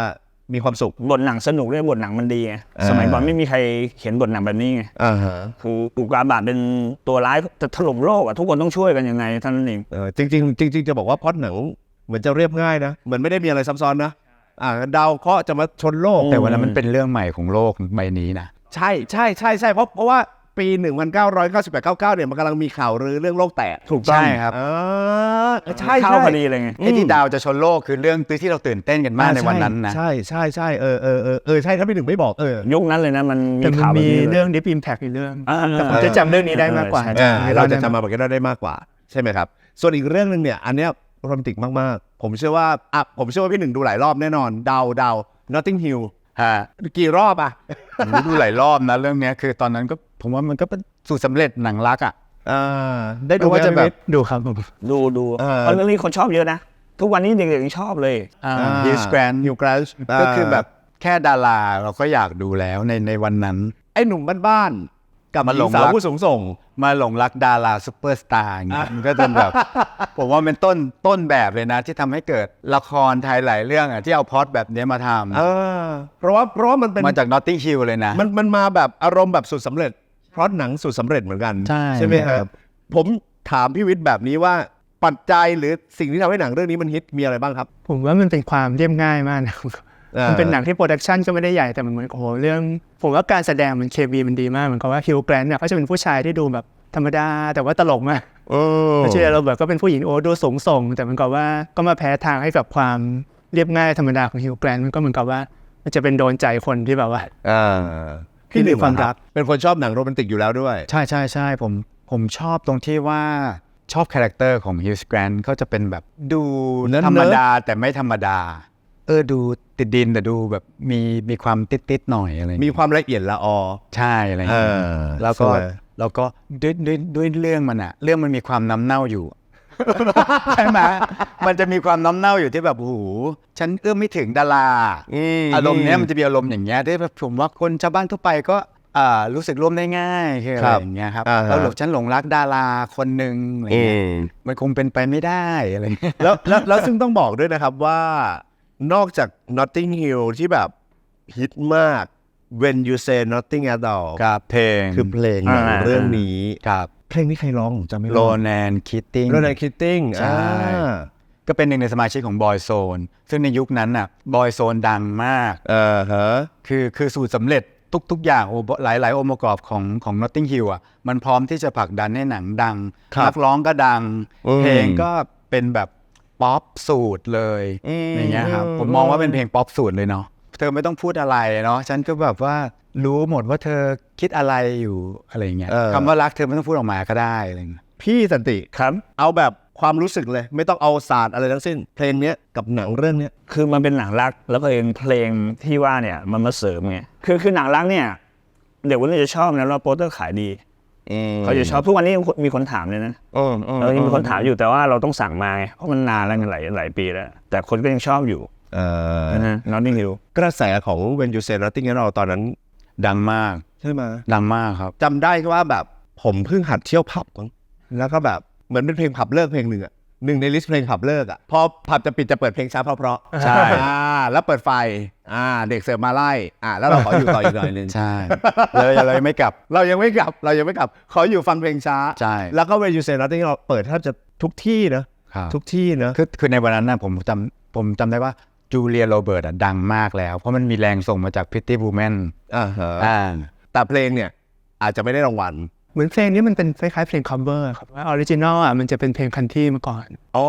Speaker 1: มีความสุข
Speaker 4: บทหนังสนุกด้วยบทหนังมันดีไง
Speaker 1: อ่า
Speaker 4: สมัยก่อนไม่มีใครเขียนบทหนังแบบนี้ไง
Speaker 1: อ่าฮะ
Speaker 4: คืออุกกาบาตเป็นตัวร้ายจะถล่มโลกอ่ะทุกคนต้องช่วยกันยังไงเท่านั้นเอง
Speaker 1: เออจริงๆจริงๆจะบอกว่าพล็อตหนังเหมือนจะเรียบง่ายนะเหมือนไม่ได้มีอะไรซับซ้อนนะอ่าดาวเคราะห์จะมาชนโลก
Speaker 3: แต่วันนั้นมันเป็นเรื่องใหม่ของโลกใบนี้นะ
Speaker 1: ใช่ใช่ใช่ใช่เพราะเพราะว่าปีหนึ่งพันเก้าร้อยเก้าสิบแปดเก้าเก้าเนี่ยมันกำลังมีข่าวลือเรื่องโลกแตก
Speaker 4: ถูกต้อง
Speaker 3: ใช่ครับ
Speaker 1: อ่าใช่
Speaker 4: เข้า
Speaker 1: ใช่
Speaker 4: พอดีเลยไง
Speaker 3: ไอ้ที่ดาวจะชนโลกคือเรื่องที่เราตื่นเต้นกันมากในวันนั้นนะ
Speaker 1: ใช่ใช่ใช่เออเออเออเออใช่ถ้าพี่หนึ่งไม่บอกเออ
Speaker 4: ยุคนั้นเลยนะมันมี
Speaker 2: แต่มัน
Speaker 4: ข่าวแบบ
Speaker 2: มี
Speaker 4: นี้ลย
Speaker 2: เรื่อง Deep Impact อีกเรื่อง
Speaker 4: อ่า
Speaker 2: แต่ผมจะจำเรื่องนี้ได้มากกว่า
Speaker 4: ใช่
Speaker 1: อ่าเราจะ
Speaker 2: ได้
Speaker 1: จำมาบอกกันได้มากกว่าใช่ไหมครับส่วนอีกเรื่องหนึ่งเนี่ยอันเนี้ยโรแมนติกมากๆผมเชื่อว่าอ่ะผมเชื่อว่าพี่หนึ่งดูหลายรอบแน่นอนเดาเดา Notting Hill
Speaker 3: ฮะ
Speaker 1: กี่รอบอ่ะ
Speaker 3: ผมดูหลายรอบนะเรื่องเนี้ยคือตอนนั้นก็ผมว่ามันก็เป็นสูตรสำเร็จหนังรักอ่ะ
Speaker 1: อ่าได้ดู
Speaker 3: ไม่ว่าจะแบบ
Speaker 2: ดูครับผม
Speaker 4: ดูดู
Speaker 1: เออ
Speaker 4: เพราะเรื่องนี้คนชอบเยอะนะ ทุกวันนี้เด็กๆยังชอบเลย
Speaker 3: ฮิสแกรน
Speaker 1: ฮิวแกรน
Speaker 3: ก็คือแบบแค่ดาราเราก็อยากดูแล้วในในวันนั้น
Speaker 1: ไอ้หนุ่มบ้านๆกับ
Speaker 3: มา
Speaker 1: ห
Speaker 3: หล
Speaker 1: ญิง
Speaker 3: ง
Speaker 1: สาว
Speaker 3: รัก
Speaker 1: ผู้สูงส่ง
Speaker 3: มาหลงรักดาราซูเปอร์สตาร์อย่างเงี้ยมันก็จะแบบ ผมว่าเป็นต้นต้นแบบเลยนะที่ทำให้เกิดละครไทยหลายเรื่องอ่ะที่เอาพล็อตแบบเนี้ยมาท
Speaker 1: เออเพราะว่าเพราะว่ามันเป็น
Speaker 3: ำมาจากนอตติงฮิลเลยนะ
Speaker 1: มันมันมาแบบอารมณ์แบบสุดสำเร็จเพราะหนังสุดสำเร็จเหมือนกัน
Speaker 3: ใช่
Speaker 1: ไหมค
Speaker 3: ครั
Speaker 1: รับ
Speaker 3: บ
Speaker 1: ผมถามพี่วิทย์แบบนี้ว่าปัจจัยหรือสิ่งที่ทำให้หนังเรื่องนี้มันฮิตมีอะไรบ้างครับ
Speaker 2: ผมว่ามันเป็นความเรียบง่ายมากนะ
Speaker 1: อ่ามั
Speaker 2: มันเป็นหนังที่โปรดักชันก็ไม่ได้ใหญ่แต่มันเหมือนโอ้โหเรื่อง ผมว่าการแสดงมันเคมีมันดีมากเหมือนกับว่าฮิวแกรนท์เนี่ยเขาจะเป็นผู้ชายที่ดูแบบธรรมดาแต่ว่าตลกมาก
Speaker 1: เออ
Speaker 2: ไม่ใช่เราแบบก็เป็นผู้หญิงโอ้ดูสูงส่งแต่มันก็ว่าก็มาแพ้ทางให้กับความเรียบง่ายธรรมดาของฮิวแกรนท์มันก็เหมือนกับว่ามันจะเป็นโดนใจคนที่แบบว่า
Speaker 1: อ่า
Speaker 2: ที่มีความรัก
Speaker 1: เป็นคนชอบหนังโรแมนติกอยู่แล้วด้วย
Speaker 3: ใช่ใช่ใช่ผมผมชอบตรงที่ว่าชอบคาแรคเตอร์ของฮิลส์แกรนท์เขาจะเป็นแบบดู
Speaker 1: เนิร์ดๆ
Speaker 3: ธรรมดาแต่ไม่ธรรมดา เออดูติดดินแต่ดูแบบมีมีความติดติดๆหน่อยอะไรอย่าง
Speaker 1: มี
Speaker 3: เงี้ย
Speaker 1: ความละเอียดละออ
Speaker 3: ใช่อะไรอย่างเงี้ย
Speaker 1: เออ
Speaker 3: แล้วก็
Speaker 1: สวย
Speaker 3: แล้วก็ด้วยด้วยด้วยเรื่องมันอะเรื่องมันมีความน้ำเน่าอยู่ ใช่ไหมมันจะมีความน้ำเน่าอยู่ที่แบบโอ้โหฉันเอื้อมไม่ถึงดารา
Speaker 1: ม
Speaker 3: อารมณ์เนี้ยมันจะมีอารมณ์อย่างเงี้ยที่แบบผมว่าคนชาวบ้านทั่วไปก็อ่ารู้สึกร่วมได้ง่ายคืออะไรอย่างเงี้ยครับ
Speaker 1: อ่าฮะ
Speaker 3: แล้วหลงฉันหลงรักดาราคนหนึ่งอะไรเงี้ยมันคงเป็นไปไม่ได้อะไรเงี้ย
Speaker 1: แล้วแล้วแล้วซึ่งต้องบอกด้วยนะครับว่านอกจาก Notting Hill ที่แบบฮิตมาก When You Say Nothing at All
Speaker 3: ครับเพลง
Speaker 1: คือเพลงหนัง
Speaker 4: อ่า
Speaker 1: เรื่องนี้
Speaker 3: ครับ
Speaker 1: เพลงนี้ใครร้องผมจำไม่
Speaker 3: โร
Speaker 1: ได้
Speaker 3: แนนคิตติ้ง
Speaker 1: โรแนนคิตติ้ง
Speaker 3: ใช่ ก็เป็นหนึ่งในสมาชิกของบอยโซนซึ่งในยุคนั้นน่ะบอยโซนดังมาก
Speaker 1: เออฮะ
Speaker 3: คือคือสูตรสำเร็จทุก ๆ อย่างโอ้หลายหลายองค์ประกอบของของ Notting Hill อ่ะมันพร้อมที่จะผลักดันให้หนังดัง
Speaker 1: ครับ
Speaker 3: นักร้องก็ดัง
Speaker 1: อืม
Speaker 3: เพลงก็เป็นแบบป๊อปสูตรเลย
Speaker 1: อืม
Speaker 3: อย่างเงี้ยครับผมมองว่าเป็นเพลงป๊อปสูตรเลยเนาะเธอไม่ต้องพูดอะไรเนาะฉันก็แบบว่ารู้หมดว่าเธอคิดอะไรอยู่อะไรอย่างเงี้ย
Speaker 1: เออ
Speaker 3: คำว่ารักเธอไม่ต้องพูดออกมาก็ได้อะไรอย่างเงี้ย
Speaker 1: พี่สันติ
Speaker 4: ครับ
Speaker 1: เอาแบบความรู้สึกเลย ไม่ต้องเอาศาสตร์อะไรทั้งสิ้น เพลงเนี้ยกับหนังเรื่องเนี้ย
Speaker 4: คือมันเป็นหนังรักแล้วเพลงเพลงที่ว่าเนี่ยมันมาเสริมไงคือคือหนังรักเนี่ยเด็กวัยรุ่นจะชอบนะแล้วโปสเตอร์ขายดีเขาจะชอบทุกวันนี้ยังมีคนถามเลยนะ
Speaker 1: อืม
Speaker 4: เออยังมีคนถามอยู่แต่ว่าเราต้องสั่งมาไงเพราะมันนานแล้วหลายหลายปีแล้ว แต่คนก็ยังชอบอยู่
Speaker 1: เออ
Speaker 4: นะฮะ Notting Hill
Speaker 1: กระแสของ When You Say Nothing at All ตอนนั้น
Speaker 3: ดังมาก
Speaker 1: ใช่ไหม
Speaker 3: ดังมากครับ
Speaker 1: จำได้ว่าแบบผมเพิ่งหัดเที่ยวผับมั้งแล้วก็แบบเหมือนเป็นเพลงผับเลิกเพลงหนึ่งอะหนึ่งในลิสต์เพลงผับเลิกอะพอผับจะปิดจะเปิดเพลงช้าเพราะๆ
Speaker 3: ใช่
Speaker 1: อ่าแล้วเปิดไฟอ่าเด็กเสิร์ฟมาไล่อ่าแล้วเราขออยู่ต่ออีกหน่อยนึง
Speaker 3: ใช่แล้วเรายังไม่กลับ
Speaker 1: เรายังไม่กลับเรายังไม่กลับขออยู่ฟังเพลงช้า
Speaker 3: ใช่
Speaker 1: แล้วก็ When You Say Nothing เราเปิดแทบจะทุกที่นะครับ ทุกที่นะ
Speaker 3: คือคือในวันนั้นนะผมจำผมจำได้ว่าจูเลียโรเบิร์ตอะดังมากแล้ว เพราะมันมีแรงส่งมาจาก Pretty Woman
Speaker 1: อ่าฮะ
Speaker 3: อ่า
Speaker 1: แต่เพลงเนี่ยอาจจะไม่ได้รางวัล
Speaker 2: เหมือนเพลงนี้มันเป็นคล้ายๆเพลง cover ครับว่าออริจินอลอ่ะมันจะเป็นเพลงคันที่มาก่อน
Speaker 1: อ๋อ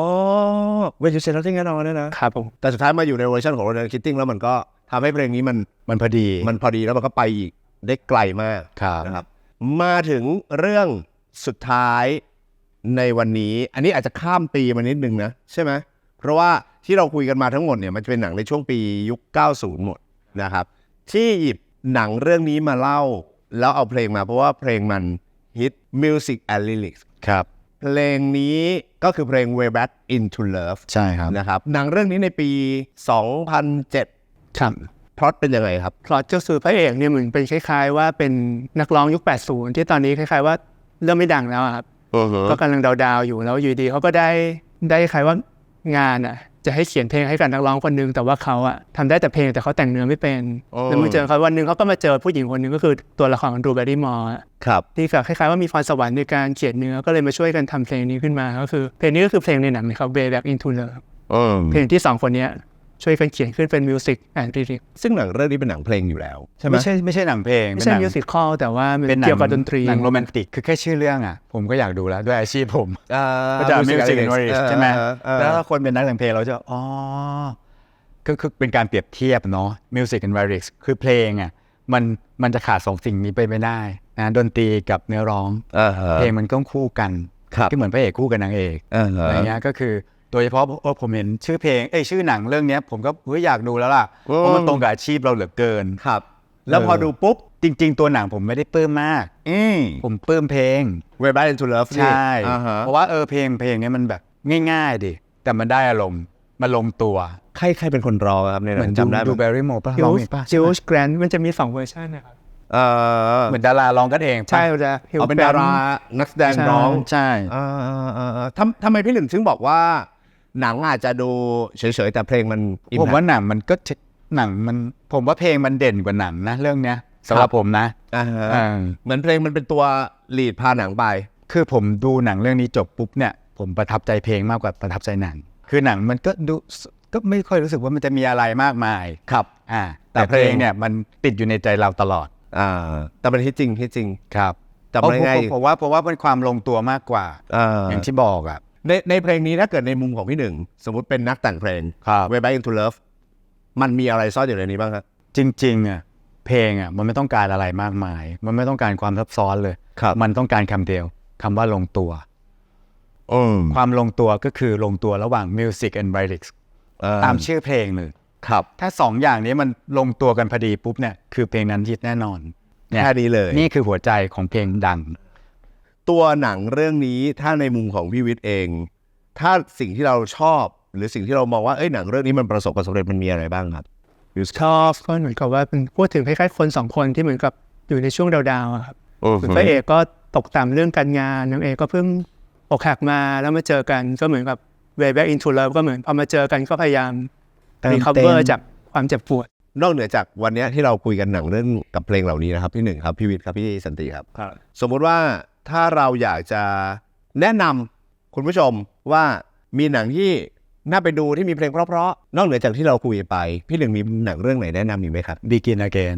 Speaker 1: When You Say Nothing at All เนี่ยนะครับ
Speaker 2: ผม
Speaker 1: แต่สุดท้ายมาอยู่ในเวอร์ชันของ Ronan Keating แล้วมันก็ทำให้เพลงนี้มัน
Speaker 3: มันพอดี
Speaker 1: มันพอดีแล้วมันก็ไปอีกได้ไกลมาก
Speaker 3: ครับ
Speaker 1: นะครับมาถึงเรื่องสุดท้ายในวันนี้ อันนี้อาจจะข้ามปีมานิดนึงนะใช่ไหมเพราะว่าที่เราคุยกันมาทั้งหมดเนี่ยมันจะเป็นหนังในช่วงปียุค เก้าสิบ หมดนะครับที่หยิบหนังเรื่องนี้มาเล่าแล้วเอาเพลงมาเพราะว่าเพลงมันฮิต Music and Lyrics
Speaker 3: ครับ
Speaker 1: เพลงนี้ก็คือเพลง Way Back Into Love
Speaker 3: ใช่ครับ
Speaker 1: นะครับหนังเรื่องนี้ในปี สองพันเจ็ด
Speaker 2: ครับ
Speaker 1: พล็อตเป็นยังไงครับ
Speaker 2: พล็อตเจ้าสูพระเอกเนี่ยเหมือนเป็นคล้ายๆว่าเป็นนักร้องยุค แปดสิบ ที่ตอนนี้คล้ายๆว่าเริ่มไม่ดังแล้วอะครับก็กำลังดาวๆอยู่แล้วอยู่ดีเขาก็ได้ได้คล้ายว่างานอ่ะจะให้เขียนเพลงให้กับนักร้องคนนึงแต่ว่าเขาอะทำได้แต่เพลงแต่เขาแต่งเนื้อไม่เป็นแล้วมาเจอเขาวันหนึ่งเขาก็มาเจอผู้หญิงคนนึงก็คือตัวละครของดูแบรี่มอร์
Speaker 1: ครับ
Speaker 2: ที่แบบคล้ายๆว่ามีพรสวรรค์ในการเขียนเนื้อก็เลยมาช่วยกันทำเพลงนี้ขึ้นมาก็คือเพลงนี้ก็คือเพลงในหนังนะครับ Way Back into Love เพลงที่สองคนนี้ช่วยกันเขียนขึ้นเป็นมิวสิกแอนด์ลิริก
Speaker 1: ซึ่งหนังเรื่องนี้เป็นหนังเพลงอยู่แล้วใช่ไหม
Speaker 3: ไม่ใช่ไม่ใช่หนังเพลง
Speaker 2: ไม่ใช่มิวสิคอลแต่ว่า
Speaker 3: เป็น
Speaker 2: เกี่ยวกับดนตรี
Speaker 3: หนังโรแมนติกคือแค่ชื่อเรื่องอ่ะผมก็อยากดูแล้วด้วยอาชีพผมก็จะมิวสิกแอนด์ลิริกใช่ไหมแล้วคนเป็นนักแต่งเพลงเราจะอ๋อก็คือเป็นการเปรียบเทียบเนาะมิวสิกแอนด์ลิริกคือเพลงอ่ะมันมันจะขาดสองสิ่งนี้ไปไม่ได้นะดนตรีกับเนื้อร้องเพลงมันต้องคู่กันที่เหมือนพระเอกคู่กับนางเอกอะไรเงี้ยก็คือโดยเฉพาะเออผมเห็นชื่อเพลงเอ้ยชื่อหนังเรื่องนี้ผมก็เฮ้ยอยากดูแล้วล่ะเพราะมันตรงกับอาชีพเราเหลือเกิน
Speaker 1: ครับแล้วพอดูปุ๊บ
Speaker 3: จริงๆตัวหนังผมไม่ได้ปลื้มมากผมปลื้มเพลง
Speaker 1: Way Back into Love
Speaker 3: ใช่เพราะว่าเออเพลงเพลงนี้มันแบบง่ายๆดิแต่มันได้อารมณ์มันลงตัว
Speaker 1: ใครใครเป็นคนร้องครับเนี่ยจำได้
Speaker 3: ดูแบร์รี่โมป่ะร้องเองป่ะ
Speaker 2: จิลส์แกรนท์มันจะมีสองเวอร์ชันนะครับ
Speaker 1: เออ
Speaker 3: เหมือนดาราร้องกันเอง
Speaker 2: ใช่จะ
Speaker 1: เอาเป็นดารานักแสดงร้อง
Speaker 3: ใช่
Speaker 1: ทำทำไมพี่หนึ่งถึงบอกว่าหนังอาจจะดูเฉยๆแต่เพลงมัน
Speaker 3: ผมว่าหนังมันก็หนังมันผมว่าเพลงมันเด่นกว่าหนังนะเรื่องเนี้ยสำหรับผมนะ
Speaker 1: เหมือนเพลงมันเป็นตัวลีดพาหนังไป
Speaker 3: คือผมดูหนังเรื่องนี้จบปุ๊บเนี่ยผมประทับใจเพลงมากกว่าประทับใจหนังคือหนังมันก็ดูก็ไม่ค่อยรู้สึกว่ามันจะมีอะไรมากมาย
Speaker 1: ครับ
Speaker 3: อ่าแต่เพลงเนี่ยมันติดอยู่ในใจเราตลอด
Speaker 1: อ่าแต่เป็นที่จริงที่จริง
Speaker 3: ครับ
Speaker 1: จำได้ไง
Speaker 3: ผมว่าผมว่าเป็นความลงตัวมากกว่าอย่างที่บอกอ่ะ
Speaker 1: ในในเพลงนี้ถ้าเกิดในมุมของพี่หนึ่งสมมติเป็นนักแต่งเพลง Way Back into Love มันมีอะไรซ่อนอยู่ในนี้บ้างครับ
Speaker 3: จริงๆอ่ะเพลงอ่ะมันไม่ต้องการอะไรมากมายมันไม่ต้องการความซับซ้อนเลยมันต้องการคำเดียวคำว่าลงตัวความลงตัวก็คือลงตัวระหว่าง Music and Lyrics ตามชื่อเพลงเลย
Speaker 1: ครับ
Speaker 3: ถ้าสองอย่างนี้มันลงตัวกันพอดีปุ๊บเนี่ยคือเพลงนั้นฮิตแน่นอน
Speaker 1: แค่นี้เลย
Speaker 3: นี่คือหัวใจของเพลงดัง
Speaker 1: ตัวหนังเรื่องนี้ถ้าในมุมของพี่วิทย์เองถ้าสิ่งที่เราชอบหรือสิ่งที่เรามองว่าเอ้ยหนังเรื่องนี้มันประสบความสำเร็จมันมีอะไรบ้างครับ
Speaker 2: ชอบก็เหมือนกับว่าเป็นพูดถึงคล้ายๆคนสองคนที่เหมือนกับอยู่ในช่วงดาวๆครับพระเอกก็ตกต่ำเรื่องการงานนางเอกก็เพิ่งอกหักมาแล้วมาเจอกันก็เหมือนกับ Way Back into Love ก็เหมือนพอมาเจอกันก็พยายามrecover จากความเจ็บปวด
Speaker 1: นอกเหนือจากวันนี้ที่เราคุยกันหนังเรื่องกับเพลงเหล่านี้นะครับพี่หนึ่งครับพี่วิทย์ครับพี่สันติครับสมมุติว่าถ้าเราอยากจะแนะนำคุณผู้ชมว่ามีหนังที่น่าไปดูที่มีเพลงเพราะๆนอกเหนือจากที่เราคุยไปพี่หนึ่งมีหนังเรื่องไหนแนะนำอีกไหมครับ
Speaker 3: Begin Again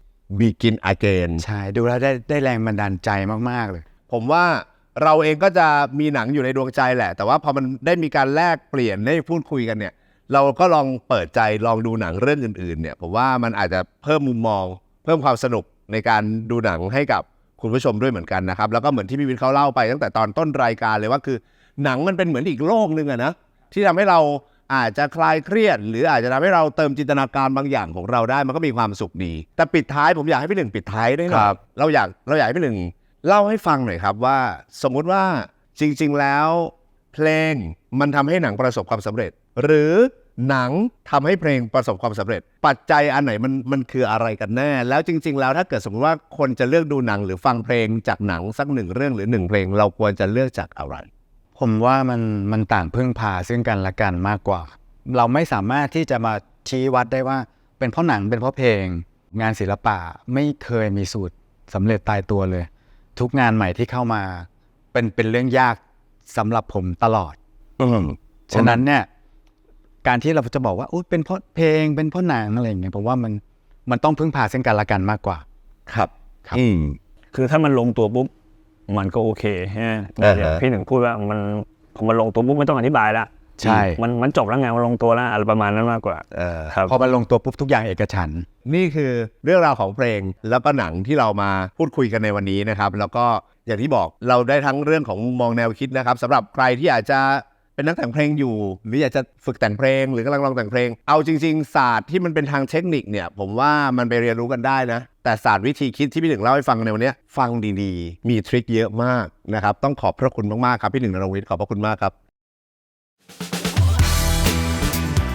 Speaker 1: Begin Again
Speaker 3: ใช่ดูแล้วได้ได้แรงบันดาลใจมากๆเลย
Speaker 1: ผมว่าเราเองก็จะมีหนังอยู่ในดวงใจแหละแต่ว่าพอมันได้มีการแลกเปลี่ยนได้พูดคุยกันเนี่ยเราก็ลองเปิดใจลองดูหนังเรื่องอื่นๆเนี่ยผมว่ามันอาจจะเพิ่มมุมมองเพิ่มความสนุกในการดูหนังให้กับคุณผู้ชมด้วยเหมือนกันนะครับแล้วก็เหมือนที่พี่วิทย์เขาเล่าไปตั้งแต่ตอนต้นรายการเลยว่าคือหนังมันเป็นเหมือนอีกโลกนึงอะนะที่ทำให้เราอาจจะคลายเครียดหรืออาจจะทำให้เราเติมจินตนาการบางอย่างของเราได้มันก็มีความสุขดีแต่ปิดท้ายผมอยากให้พี่หนึ่งปิดท้ายด้วยนะเราอยากเราอยากให้พี่หนึ่งเล่าให้ฟังหน่อยครับว่าสมมุติว่าจริงๆแล้วเพลงมันทำให้หนังประสบความสำเร็จหรือหนังทำให้เพลงประสบความสำเร็จปัจจัยอันไหนมันมันคืออะไรกันแน่แล้วจริงๆแล้วถ้าเกิดสมมติว่าคนจะเลือกดูหนังหรือฟังเพลงจากหนังสักหนึ่งเรื่องหรือหนึ่งเพลงเราควรจะเลือกจากอะไร
Speaker 3: ผมว่ามันมันต่างพึ่งพาซึ่งกันและกันมากกว่าเราไม่สามารถที่จะมาชี้วัดได้ว่าเป็นเพราะหนังเป็นเพราะเพลงงานศิลปะไม่เคยมีสูตรสำเร็จตายตัวเลยทุกงานใหม่ที่เข้ามาเป็นเป็นเรื่องยากสำหรับผมตลอดฉะนั้นเนี่ยการที่เราจะบอกว่าอุ๊ยเป็นเพราะเพลงเป็นเพราะหนังอะไรอย่างเงี้ยผมว่ามันมันต้องพึ่งพาซึ่งกันและกันมากกว่า
Speaker 1: ครับ
Speaker 3: ครับ
Speaker 1: อืม
Speaker 4: คือถ้ามันลงตัวปุ๊บมันก็โอเคฮะพี่หนึ่งพูดว่ามันพอมันลงตัวปุ๊บไม่ต้องอธิบายละ
Speaker 3: ใช่
Speaker 4: มันมันจบแล้วไงมันลงตัวแล้วอะไรประมาณนั้นมากกว่า
Speaker 1: เออครับ
Speaker 3: พอมันลงตัวปุ๊บทุกอย่างเอกฉันท์
Speaker 1: นี่คือเรื่องราวของเพลงแล้วก็หนังที่เรามาพูดคุยกันในวันนี้นะครับแล้วก็อย่างที่บอกเราได้ทั้งเรื่องของมุมมองแนวคิดนะครับสำหรับใครที่อาจจะเป็นนักแต่งเพลงอยู่หรืออยากจะฝึกแต่งเพลงหรือกำลังลองแต่งเพลงเอาจริงๆศาสตร์ที่มันเป็นทางเทคนิคเนี่ยผมว่ามันไปเรียนรู้กันได้นะแต่ศาสตร์วิธีคิดที่พี่หนึ่งเล่าให้ฟังในวันนี้ฟังดีๆมีทริคเยอะมากนะครับต้องขอบพระคุณมากๆครับพี่หนึ่งณรงค์วิทย์ขอบพระคุณมากครับ
Speaker 3: ผม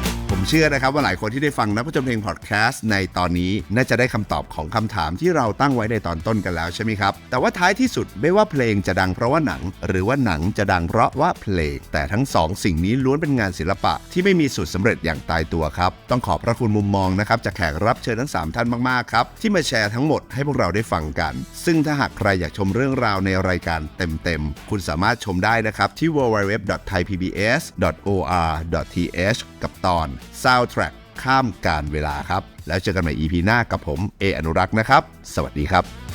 Speaker 1: เชื่อนะครับว่าหลายคนที่ได้ฟังนักผจญเพลงพอดแคสต์ในตอนนี้น่าจะได้คำตอบของคำถามที่เราตั้งไว้ในตอนต้นกันแล้วใช่ไหมครับแต่ว่าท้ายที่สุดไม่ว่าเพลงจะดังเพราะว่าหนังหรือว่าหนังจะดังเพราะว่าเพลงแต่ทั้งสองสิ่งนี้ล้วนเป็นงานศิลปะที่ไม่มีสูตรสำเร็จอย่างตายตัวครับต้องขอบพระคุณมุมมองนะครับจากแขกรับเชิญทั้งสามท่านมากๆครับที่มาแชร์ทั้งหมดให้พวกเราได้ฟังกันซึ่งถ้าหากใครอยากชมเรื่องราวในรายการเต็มๆคุณสามารถชมได้นะครับที่ ดับเบิลยู ดับเบิลยู ดับเบิลยู ดอท ไทย พี บี เอส ดอท โอ อาร์ ดอท ที เอช กับตอน Soundtrack ข้ามกาลเวลาครับแล้วเจอกันใหม่ อี พี หน้ากับผมเออนุรักษ์นะครับสวัสดีครับ